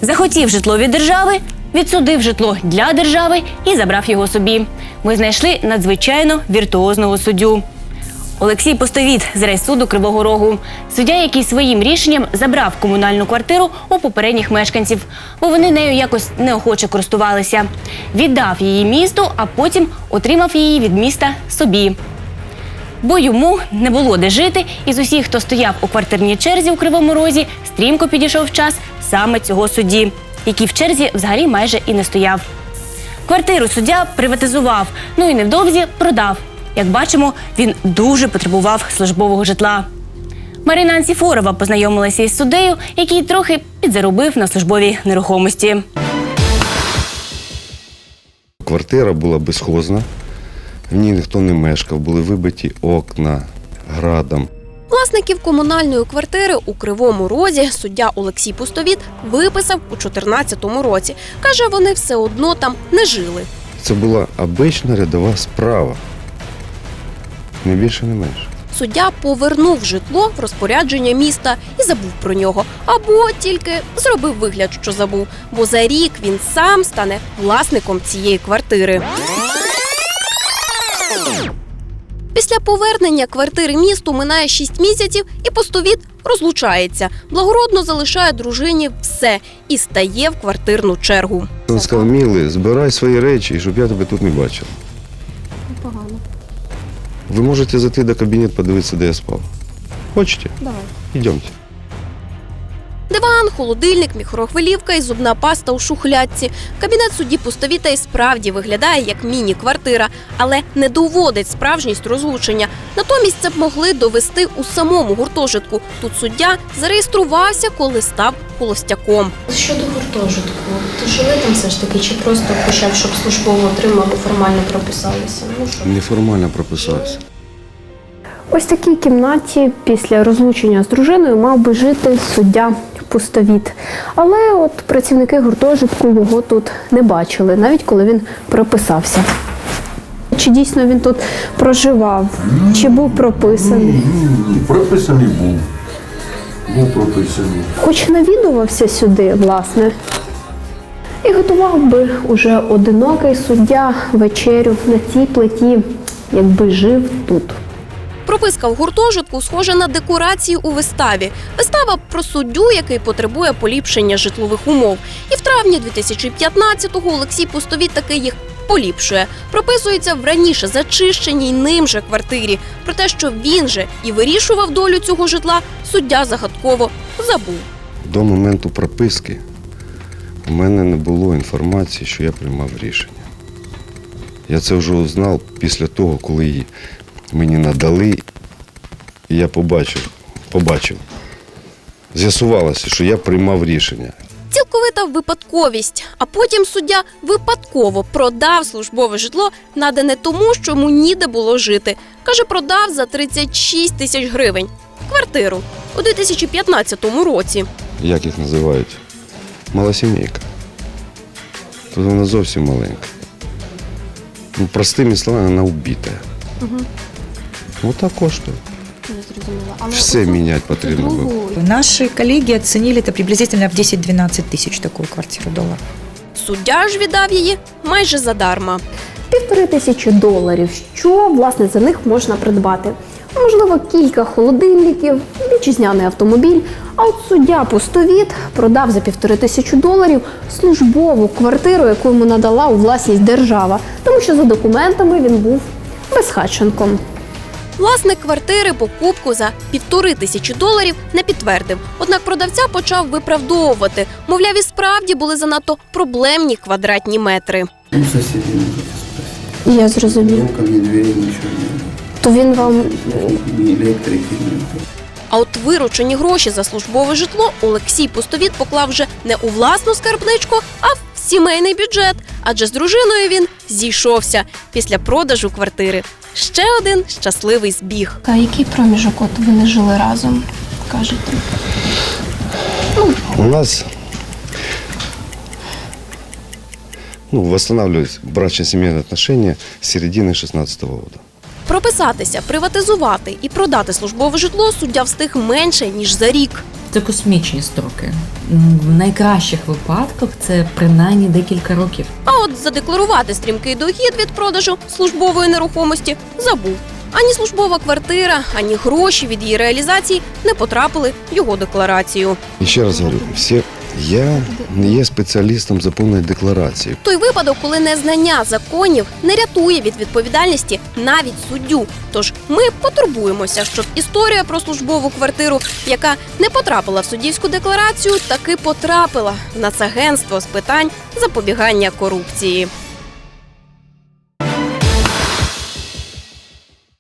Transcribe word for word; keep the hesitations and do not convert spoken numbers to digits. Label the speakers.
Speaker 1: Захотів житло від держави, відсудив житло для держави і забрав його собі. Ми знайшли надзвичайно віртуозного суддю. Олексій Пустовіт з райсуду Кривого Рогу. Суддя, який своїм рішенням забрав комунальну квартиру у попередніх мешканців, бо вони нею якось неохоче користувалися. Віддав її місту, а потім отримав її від міста собі. Бо йому не було де жити, і з усіх, хто стояв у квартирній черзі у Кривому Розі, стрімко підійшов час саме цього судді, який в черзі взагалі майже і не стояв. Квартиру суддя приватизував, ну і невдовзі продав. Як бачимо, він дуже потребував службового житла. Марина Анціфорова познайомилася із суддею, який трохи підзаробив на службовій нерухомості.
Speaker 2: Квартира була безхозна, в ній ніхто не мешкав, були вибиті окна градом.
Speaker 3: Власників комунальної квартири у Кривому Розі суддя Олексій Пустовіт виписав у чотирнадцятому році. Каже, вони все одно там не жили.
Speaker 2: Це була обична рядова справа. Не більше, не менше.
Speaker 3: Суддя повернув житло в розпорядження міста і забув про нього. Або тільки зробив вигляд, що забув. Бо за рік він сам стане власником цієї квартири. Після повернення квартири місту минає шість місяців і Пустовіт розлучається. Благородно залишає дружині все і стає в квартирну чергу.
Speaker 2: Він сказав: милий, збирай свої речі, щоб я тебе тут не бачив.
Speaker 3: Погано.
Speaker 2: Ви можете зайти до кабінету, подивитися, де я спав. Хочете?
Speaker 3: Давай.
Speaker 2: Йдемте.
Speaker 3: Диван, холодильник, мікрохвилівка і зубна паста у шухлядці. Кабінет судді Пустовіта і справді виглядає як міні-квартира, але не доводить справжність розлучення. Натомість це б могли довести у самому гуртожитку. Тут суддя зареєструвався, коли став холостяком.
Speaker 4: Щодо гуртожитку, то жили там все ж таки, чи просто почав, щоб службово отримали, формально прописалися? Ну, що?
Speaker 2: Неформально прописався.
Speaker 5: Ось в такій кімнаті після розлучення з дружиною мав би жити суддя Пустовіт. Але от працівники гуртожитку його тут не бачили, навіть коли він прописався. Чи дійсно він тут проживав, чи був прописаний?
Speaker 6: Прописаний був. Був прописаний.
Speaker 5: Хоч навідувався сюди, власне, і готував би уже одинокий суддя вечерю на цій плиті, якби жив тут.
Speaker 3: Прописка в гуртожитку схожа на декорації у виставі. Вистава про суддю, який потребує поліпшення житлових умов. І в травні дві тисячі п'ятнадцятого Олексій Пустовіт таки їх поліпшує. Прописується в раніше зачищеній ним же квартирі. Про те, що він же і вирішував долю цього житла, суддя загадково забув.
Speaker 2: До моменту прописки у мене не було інформації, що я приймав рішення. Я це вже узнав після того, коли її мені надали, і я побачив, побачив. З'ясувалося, що я приймав рішення.
Speaker 3: Цілковита випадковість. А потім суддя випадково продав службове житло, надане тому, що йому ніде було жити. Каже, продав за тридцять шість тисяч гривень. Квартиру у дві тисячі п'ятнадцятому році.
Speaker 2: Як їх називають? Малосімейка. Тут вона зовсім маленька. Ну, простими словами, вона вбита. Угу. Ось так коштує. Все міняти потрібно було.
Speaker 7: Наши коллеги оценили это приблизительно в десять-двенадцать тысяч такую квартиру долларов.
Speaker 3: Суддя ж віддав її майже задарма.
Speaker 5: Півтори тисячі доларів. Що, власне, за них можна придбати? Можливо, кілька холодильників, вітчизняний автомобіль. А от суддя Пустовіт продав за півтори тисячі доларів службову квартиру, яку йому надала у власність держава. Тому що за документами він був безхатченком.
Speaker 3: Власник квартири покупку за півтори тисячі доларів не підтвердив. Однак продавця почав виправдовувати. Мовляв, і справді були занадто проблемні квадратні метри.
Speaker 6: У соседей можете спросить.
Speaker 5: Я зрозумів.
Speaker 6: Ни окон, ни двери, ничего нет.
Speaker 5: То він вам...
Speaker 6: Ни электрики, нет.
Speaker 3: А от виручені гроші за службове житло Олексій Пустовіт поклав вже не у власну скарбничку, а в сімейний бюджет. Адже з дружиною він зійшовся після продажу квартири. Ще один щасливий збіг.
Speaker 4: А який проміжок от ви не жили разом, кажете?
Speaker 2: У нас ну, восстанавливались брачно-семейные отношения с середины шестнадцатого года.
Speaker 3: Прописатися, приватизувати і продати службове житло суддя встиг менше, ніж за рік.
Speaker 8: Це космічні строки. М, В найкращих випадках це принаймні декілька років.
Speaker 3: А от задекларувати стрімкий дохід від продажу службової нерухомості забув. Ані службова квартира, ані гроші від її реалізації не потрапили в його декларацію.
Speaker 2: І ще раз говорю, всі, я не є спеціалістом за повної декларації.
Speaker 3: Той випадок, коли незнання законів не рятує від відповідальності навіть суддю. Тож ми потурбуємося, щоб історія про службову квартиру, яка не потрапила в суддівську декларацію, таки потрапила в Нацагентство з питань запобігання корупції.